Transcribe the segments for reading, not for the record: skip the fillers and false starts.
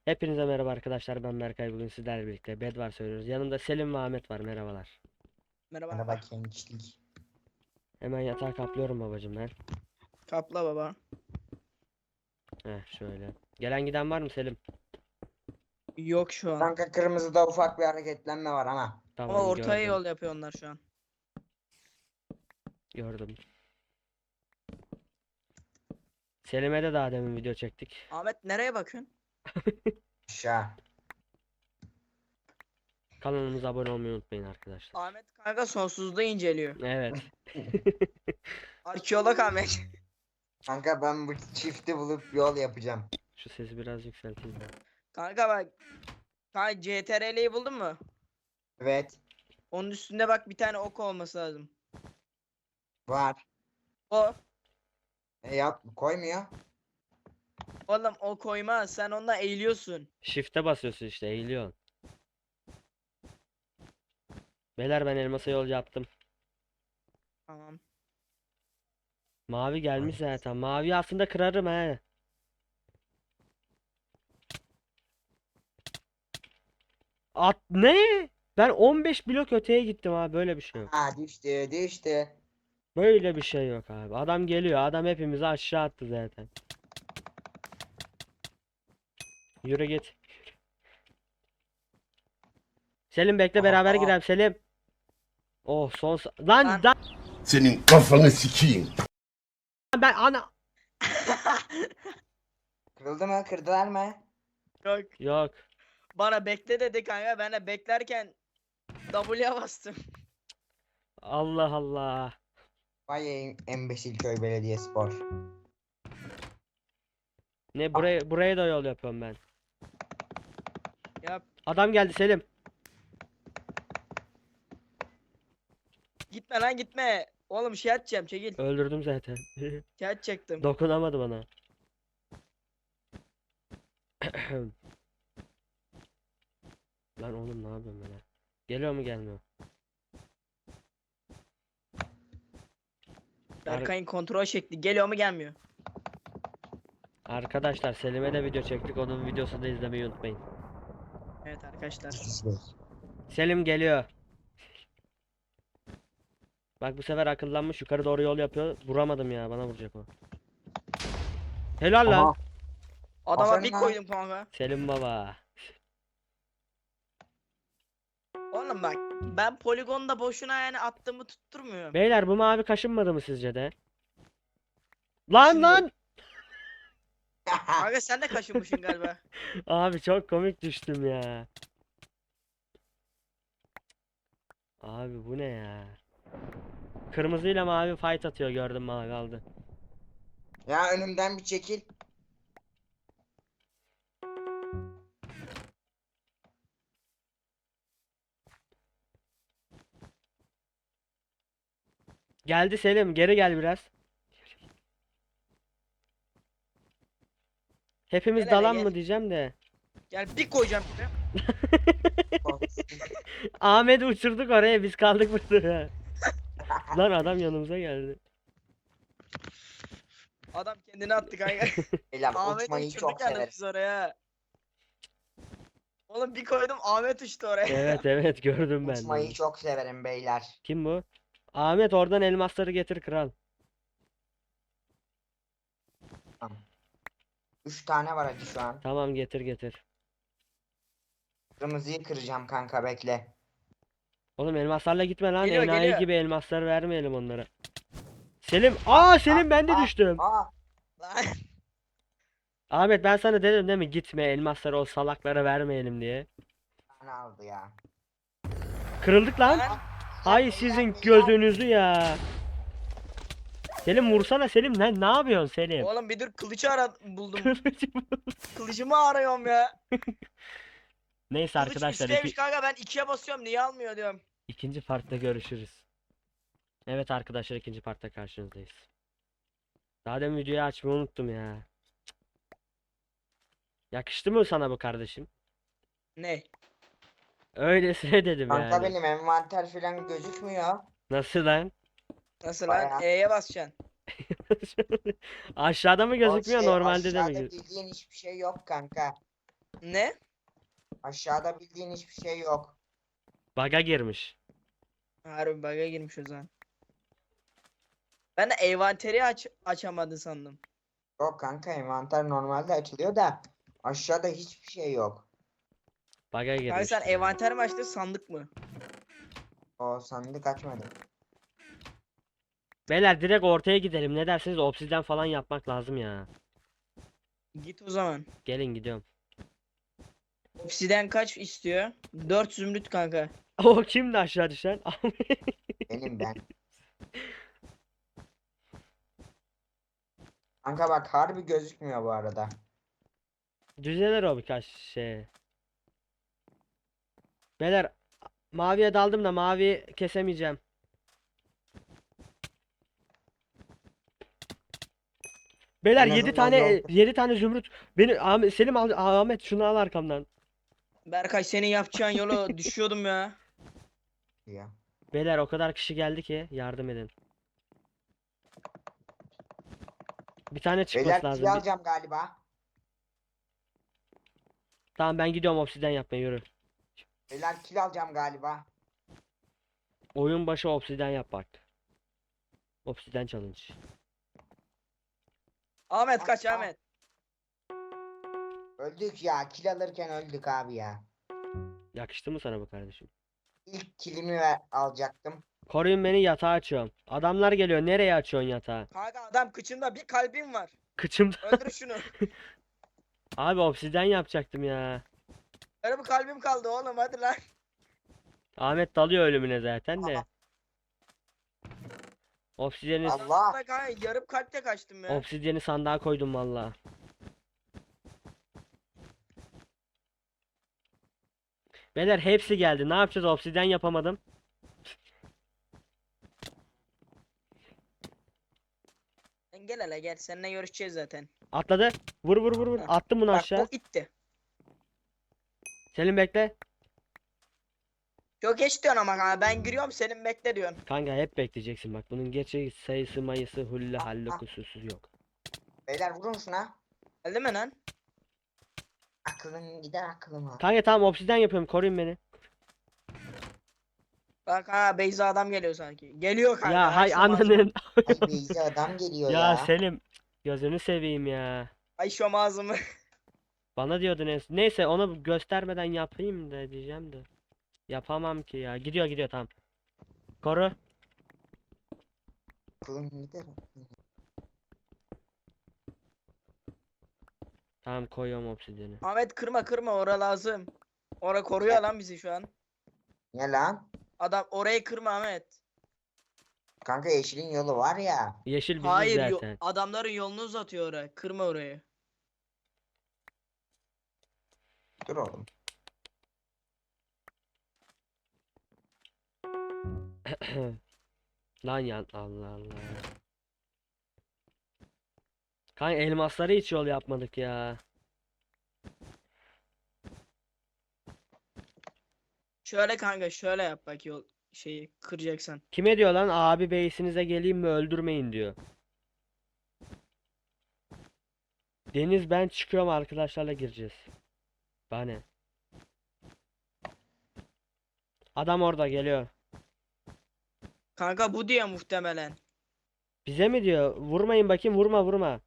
Hepinize merhaba arkadaşlar, ben Berkay. Bugün sizlerle birlikte Bedwars oynuyoruz. Yanımda Selim ve Ahmet var. Merhabalar. Merhaba Merhaba. gençlik. Hemen yatağa kaplıyorum babacım ben. Kapla baba. Şöyle. Gelen giden var mı Selim? Yok şu an. Kanka kırmızıda ufak bir hareketlenme var ama. Ama Tamam, ortaya gördüm. yol yapıyor onlar şu an. Gördüm. Selim'e de daha demin video çektik. Ahmet nereye bakıyorsun? Aşağı. Kanalımıza abone olmayı unutmayın arkadaşlar. Ahmet kanka sonsuzluğu inceliyor. Evet. Arkeolog Ahmet. Kanka ben bu çifti bulup yol yapacağım. Şu sesi biraz yükselteyim ben. Kanka bak. Kanka CTRL'yi buldun mu? Evet. Onun üstünde bak bir tane ok olması lazım. Var. O. Yap koymuyor. Oğlum o koymaz. Sen onunla eğiliyorsun. Shift'e basıyorsun işte, eğiliyorsun. Beyler, ben elmasa yol yaptım. Tamam. Mavi gelmiş zaten. Mavi aslında kırarım he. At ne? Ben 15 blok öteye gittim abi, böyle bir şey yok. Ha düştü. Böyle bir şey yok abi. Adam geliyor. Adam hepimizi aşağı attı zaten. Yürü git. Selim bekle, beraber Aa. girelim Selim. Oh lan Lan. Senin kafanı sikeyim. ben ana Kırıldı mı? Kırdılar mı? Yok. yok. Bana bekle dedi kanka. Ben de beklerken W'ye bastım. Allah Allah. Vay Embesil Köy Belediyespor. Ne, buraya da yol yapıyorum ben. Yap. Adam geldi Selim. Gitme lan gitme. Oğlum şey atacağım çekil. Öldürdüm zaten. Şey atacaktım. Dokunamadı bana. Lan oğlum, ne yapıyorum ben ya? Geliyor mu, gelmiyor? Berkay'ın kontrol şekli geliyor mu gelmiyor? Arkadaşlar, Selim'e de video çektik. Onun videosunu da izlemeyi unutmayın. Evet arkadaşlar. Selim geliyor. Bak, bu sefer akıllanmış, yukarı doğru yol yapıyor. Vuramadım ya, bana vuracak o. Helal lan. Aha. Adama Aferin bir lan. koydum kanka. Selim baba. Oğlum bak ben poligonda boşuna yani attığımı tutturmuyorum. Beyler, bu mavi kaşınmadı mı sizce de? Lan Şimdi- lan. Kanka sen de kaşınmışsın galiba. Abi çok komik düştüm ya. Abi bu ne ya? Kırmızıyla mavi fight atıyor, gördüm, mavi aldı. Ya önümden bir çekil. Geldi Selim, geri gel biraz. Hepimiz Gel hele, dalan gel. mı diyeceğim de. Gel bir koyacağım buraya. Ahmet'i uçurduk oraya, biz kaldık burada. Lan adam yanımıza geldi. Adam kendini attı kanka. Beyler Ahmet uçmayı uçurduk çok yani severim. biz oraya. Oğlum bir koydum Ahmet uçtu oraya. Evet evet, gördüm ben de Uçmayı onu. çok severim beyler. Kim bu? Ahmet, oradan elmasları getir kral. 3 tane var hadi şu an. Tamam, getir getir. Kırmızıyı kıracağım kanka bekle. Oğlum, elmaslarla gitme lan. Geliyor, Enayi geliyor. gibi elmasları vermeyelim onlara. Selim. Selim, ben de düştüm. Aa. Lan. Ahmet, ben sana dedim değil mi, gitme, elmasları o salaklara vermeyelim diye. Tane aldı ya. Kırıldık lan. Lan. Hay sizin gözünüzü ya. Selim vursana Selim, ne yapıyorsun Selim? Oğlum bir dur kılıcı buldum. Kılıcı bu. Kılıcımı arıyorum ya. Neyse Kılıç arkadaşlar, üstteymiş kanka ben 2'ye basıyorum niye almıyor diyorum. ikinci partta görüşürüz. Evet arkadaşlar, ikinci partta karşınızdayız. Daha demin videoyu açmayı unuttum ya. Yakıştı mı sana bu kardeşim? Ne? Öylesine dedim Kanka yani. benim envanter falan gözükmüyor. Nasıl lan? Nasıl Bayağı. lan? E'ye basacaksın. Aşağıda mı gözükmüyor, O şey, normalde de mi aşağıda gözüküyor? bildiğin hiçbir şey yok kanka. Ne? Aşağıda bildiğin hiçbir şey yok. Baga girmiş. Harbi bug'a girmiş o zaman. Ben de envanteri açamadı sandım. Yok kanka, envanter normalde açılıyor da aşağıda hiçbir şey yok. Baga Kanka sen girmiş. envanter mi açtın sandık mı? O sandık açmadım. Beyler direkt ortaya gidelim. Ne dersiniz? Obsidyen falan yapmak lazım ya. Git o zaman. Gelin gidiyorum. Obsiden kaç istiyor? 4 zümrüt kanka. O kimdi aşağı düşen? Benim ben. Kanka bak, harbi gözükmüyor bu arada. Düzelir o birkaç şey. Beyler maviye daldım da mavi kesemeyeceğim. Beyler En 7 azından tane yol 7 tane zümrüt. Beni Ahmet, Selim al, Ahmet şunu al arkamdan. Berkay senin yapacağın yola düşüyordum ya. ya. Beyler o kadar kişi geldi ki yardım edin. Bir tane çıkması Beyler lazım. kill alacağım galiba. Tamam ben gidiyorum obsidyen yapmaya yürü. Beyler kill alacağım galiba. Oyun başı obsidyen yap bak. Obsidyen challenge. Ahmet kaç Aa. Ahmet. Öldük ya. Kill alırken öldük abi ya. Yakıştı mı sana bu kardeşim? İlk killimi alacaktım. Koruyun beni, yatağı açıyorum. Adamlar geliyor. Nereye açıyorsun yatağı? Kanka adam kıçında bir kalbim var. Kıçımda. Öldür şunu. Abi obsidyen yapacaktım ya. Öyle bir kalbim kaldı oğlum hadi lan. Ahmet dalıyor ölümüne zaten de. Aa. Obsidyeni, Allah. Ben kanka yarım kalpte kaçtım ya. obsidyeni sandığa koydum valla. Beyler hepsi geldi. Ne yapacağız? Obsidyen yapamadım. Sen gel hele gel seninle görüşeceğiz zaten. Atladı. Vur vur vur vur. Heh. Attım bunu Bak aşağı. bu itti. Selim bekle. Çok geç diyorsun ama kanka ben giriyorum senin bekle diyorsun. Kanka hep bekleyeceksin bak. Bunun gerçek sayısı mayısı hulle halle kusursuz yok. Beyler vurun şuna. Geldi mi lan? Aklın gider aklıma. Kanka tamam obsidyen yapıyorum. Koruyun beni. Bak ha Beyza adam geliyor sanki. Geliyor kanka. Ya hay Ayşe mazlum. ananın. Ay Beyzi adam geliyor Ya ya. Selim. Gözünü seveyim ya. Ayşe mazlumu. Bana diyordun en son. Neyse onu göstermeden yapayım da diyeceğim de. Yapamam ki ya. Gidiyor gidiyor tamam. Koru. Aklın gider. Tamam koyuyorum obsidyeni. Ahmet kırma kırma ora lazım. Ora koruyor lan bizi şu an. Ne lan? Adam orayı kırma Ahmet. Kanka yeşilin yolu var ya. Yeşil biziz Hayır zaten. adamların yolunu uzatıyor oraya. Kırma orayı. Dur oğlum. Lan ya Allah Allah. Kanka elmasları hiç yol yapmadık ya. Şöyle kanka şöyle yap bak yol şeyi kıracaksan. Kime diyor lan abi beysinize geleyim mi öldürmeyin diyor. Deniz ben çıkıyorum arkadaşlarla gireceğiz. Bana. Adam orada geliyor. Kanka bu diye muhtemelen. Bize mi diyor? Vurmayın bakayım vurma vurma.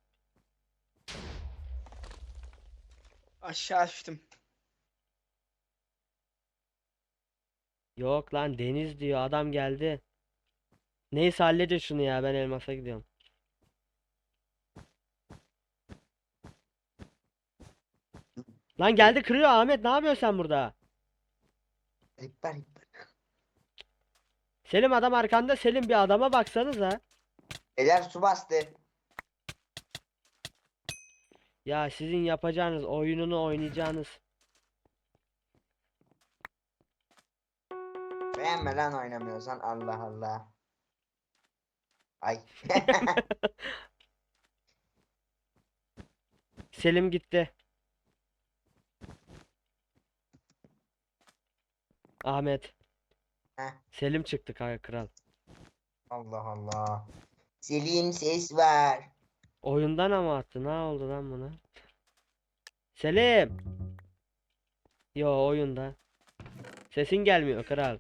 Aşağı açtım. Yok lan Deniz diyor adam geldi. Neyse halledin şunu ya ben elmasa gidiyorum. Lan geldi kırıyor Ahmet ne yapıyorsun sen burada? Ripper ripper. Selim adam arkanda Selim bir adama baksanıza. Beyler su bastı. Ya sizin yapacağınız oyununu oynayacağınız. Beğenme lan oynamıyorsan, Allah Allah. Ay. Selim gitti. Ahmet. Heh. Selim çıktı kanka kral. Allah Allah. Selim ses ver. Oyundan ama attı. Ne oldu lan buna? Selim. Yo, oyunda. Sesin gelmiyor kral.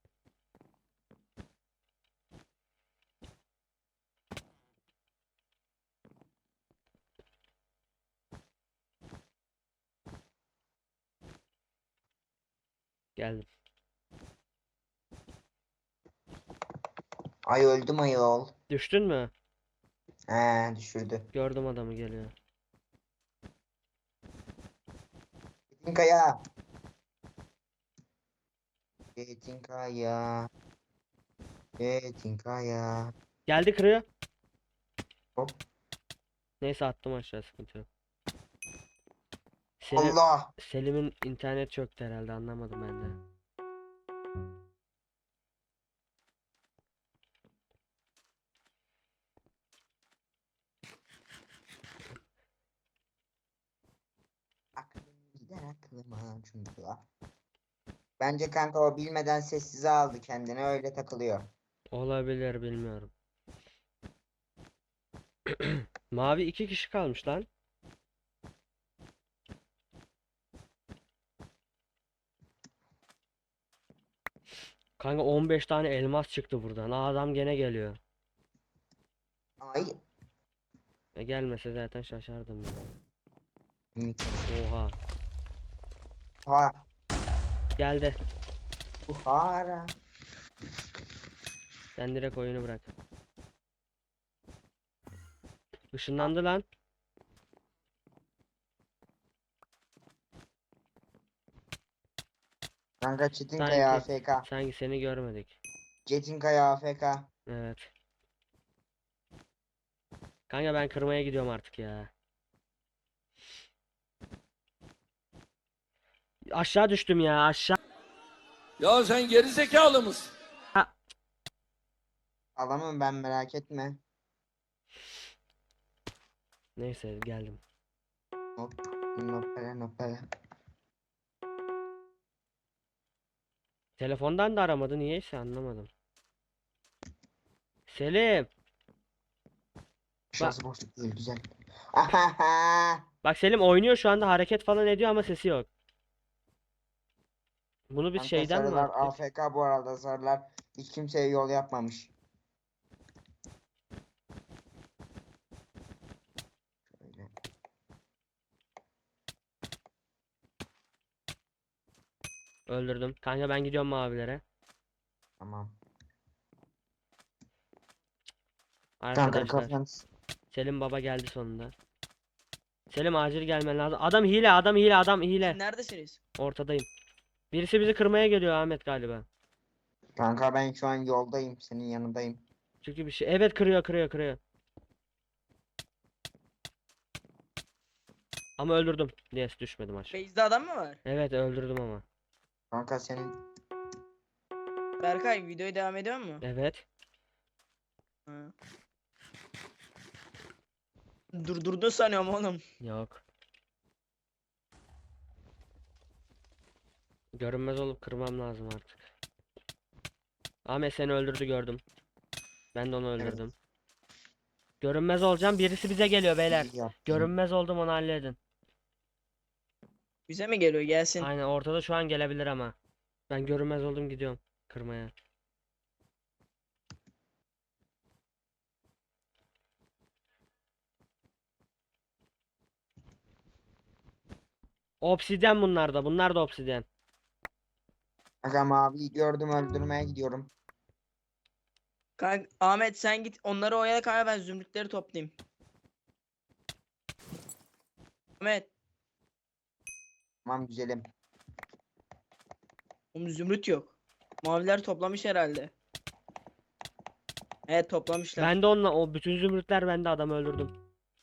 Geldim. Ay öldüm ayol. Düştün mü? He düşürdü. Gördüm adamı geliyor. Çetinkaya. Çetinkaya. Çetinkaya. Geldi, kırıyor. Hop. Neyse, attım aşağı, sıkıntı yok. Allah. Selim'in internet çöktü herhalde, anlamadım ben de. Aklım gider aklıma çünkü. Bence kanka o bilmeden sessize aldı kendini, öyle takılıyor. Olabilir, bilmiyorum. Mavi 2 kişi kalmış lan. Kanka 15 tane elmas çıktı buradan. Aa, adam gene geliyor. Ay. Gelmese zaten şaşardım ya. Hı. Oha. Ha. Geldi. Buhara. Sen direkt oyunu bırak. Işınlandı lan. Kanka Çetinkaya Sanki, AFK. sanki seni görmedik. Çetinkaya AFK. Evet. Kanka ben kırmaya gidiyorum artık ya. Aşağı düştüm ya, aşağı. Ya sen geri zekalı mısın? Alamam ben, merak etme. Neyse, geldim. Hop. Nopere nopere. Telefondan da aramadı, niyeyse anlamadım. Selim. Şurası boşluk değil, güzel. Ahaha. Bak Selim oynuyor şu anda, hareket falan ediyor ama sesi yok. Bunu biz Kanka şeyden mi sarılar attık? AFK bu arada, sarılar hiç kimseye yol yapmamış. Şöyle. Öldürdüm. Kanka ben gidiyorum mavilere. Tamam. Kanka Arkadaşlar. kafan. Selim baba geldi sonunda. Selim acil gelmen lazım. Adam hile, adam hile, adam hile. Neredesiniz? Ortadayım. Birisi bizi kırmaya geliyor, Ahmet galiba. Kanka ben şu an yoldayım, senin yanındayım. Çünkü bir şey. Evet, kırıyor, kırıyor, kırıyor. Ama öldürdüm. Yes, düşmedim aşağı. Base'de adam mı var? Evet, öldürdüm ama. Kanka senin Berkay videoya devam ediyor mu? Evet. Ha. Durdurdun sanıyorum oğlum. Yok. Görünmez olup kırmam lazım artık. Ahmet seni öldürdü, gördüm. Ben de onu Evet. öldürdüm. Görünmez olacağım. Birisi bize geliyor beyler. iyi yaptın. Görünmez oldum, onu halledin. Bize mi geliyor? Gelsin. Aynen, ortada şu an gelebilir ama. Ben görünmez oldum, gidiyorum kırmaya. Obsidyen bunlar da. Bunlar da obsidyen. Kanka maviyi gördüm, öldürmeye gidiyorum. Kanka, Ahmet sen git onları oyala kanka, ben zümrütleri toplayayım. Ahmet, Tamam güzelim. oğlum zümrüt yok. Maviler toplamış herhalde. Evet, toplamışlar. Ben de onunla, o bütün zümrütler bende, adamı öldürdüm.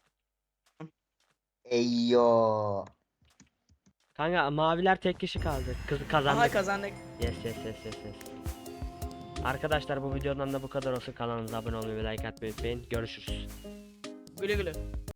Eyyo. Kanka maviler tek kişi kaldı. Kız Aha, kazandık. kazandık. Yes yes yes yes yes. Arkadaşlar bu videodan da bu kadar olsun. Kanalımıza abone olmayı ve like atmayı unutmayın. Görüşürüz. Güle güle.